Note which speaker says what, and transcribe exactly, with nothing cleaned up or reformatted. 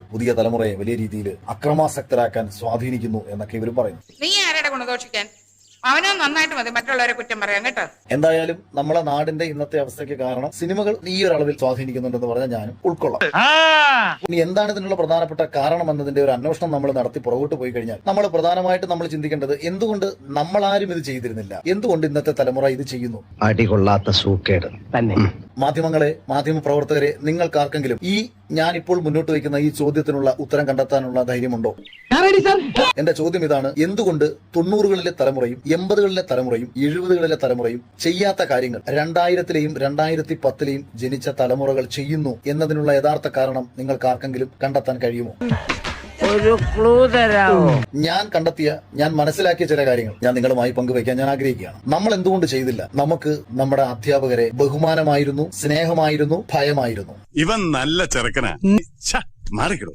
Speaker 1: പുതിയ തലമുറയെ വലിയ രീതിയിൽ അക്രമാസക്തരാക്കാൻ സ്വാധീനിക്കുന്നു എന്നൊക്കെ ഇവർ പറയുന്നു.
Speaker 2: നീ ആരുടെ ഗുണദോഷിക്കാൻ? അവനോ നന്നായിട്ട് മതി മറ്റുള്ളവരെ കുറ്റം പറയാൻ കേട്ടോ.
Speaker 1: എന്തായാലും നമ്മളെ നാടിന്റെ ഇന്നത്തെ അവസ്ഥയ്ക്ക് കാരണം സിനിമകൾ ഈ ഒരു അളവിൽ സ്വാധീനിക്കുന്നുണ്ടെന്ന് പറഞ്ഞാൽ ഞാനും ഉൾക്കൊള്ളാം. ഇനി എന്താണ് ഇതിനുള്ള പ്രധാനപ്പെട്ട കാരണം എന്നതിന്റെ ഒരു അന്വേഷണം നമ്മൾ നടത്തി പുറകോട്ട് പോയി കഴിഞ്ഞാൽ നമ്മൾ പ്രധാനമായിട്ട് നമ്മൾ ചിന്തിക്കേണ്ടത് എന്തുകൊണ്ട് നമ്മളാരും ഇത് ചെയ്തിരുന്നില്ല, എന്തുകൊണ്ട് ഇന്നത്തെ തലമുറ ഇത് ചെയ്യുന്നു.
Speaker 3: അടികൊള്ളാത്ത സൂക്കേട് തന്നെ.
Speaker 1: മാധ്യമങ്ങളെ, മാധ്യമ പ്രവർത്തകരെ, നിങ്ങൾക്കാർക്കെങ്കിലും ഈ ഞാൻ ഇപ്പോൾ മുന്നോട്ട് വയ്ക്കുന്ന ഈ ചോദ്യത്തിനുള്ള ഉത്തരം കണ്ടെത്താനുള്ള ധൈര്യമുണ്ടോ? എന്റെ ചോദ്യം ഇതാണ്: എന്തുകൊണ്ട് തൊണ്ണൂറുകളിലെ തലമുറയും എൺപതുകളിലെ തലമുറയും എഴുപതുകളിലെ തലമുറയും ചെയ്യാത്ത കാര്യങ്ങൾ രണ്ടായിരത്തിലെയും രണ്ടായിരത്തി പത്തിലെയും ജനിച്ച തലമുറകൾ ചെയ്യുന്നു എന്നതിനുള്ള യഥാർത്ഥ കാരണം നിങ്ങൾക്ക് ആർക്കെങ്കിലും കണ്ടെത്താൻ കഴിയുമോ?
Speaker 3: ഒരു ക്ലൂ തരാമോ?
Speaker 1: ഞാൻ കണ്ടെത്തിയ, ഞാൻ മനസ്സിലാക്കിയ ചില കാര്യങ്ങൾ ഞാൻ നിങ്ങളുമായി പങ്കുവയ്ക്കാൻ ഞാൻ ആഗ്രഹിക്കുകയാണ്. നമ്മൾ എന്തുകൊണ്ട് ചെയ്തില്ല? നമുക്ക് നമ്മുടെ അധ്യാപകരെ ബഹുമാനമായിരുന്നു, സ്നേഹമായിരുന്നു, ഭയമായിരുന്നു.
Speaker 4: ഇവൻ നല്ല ചെറുക്കനാ, മാറിക്കിടും.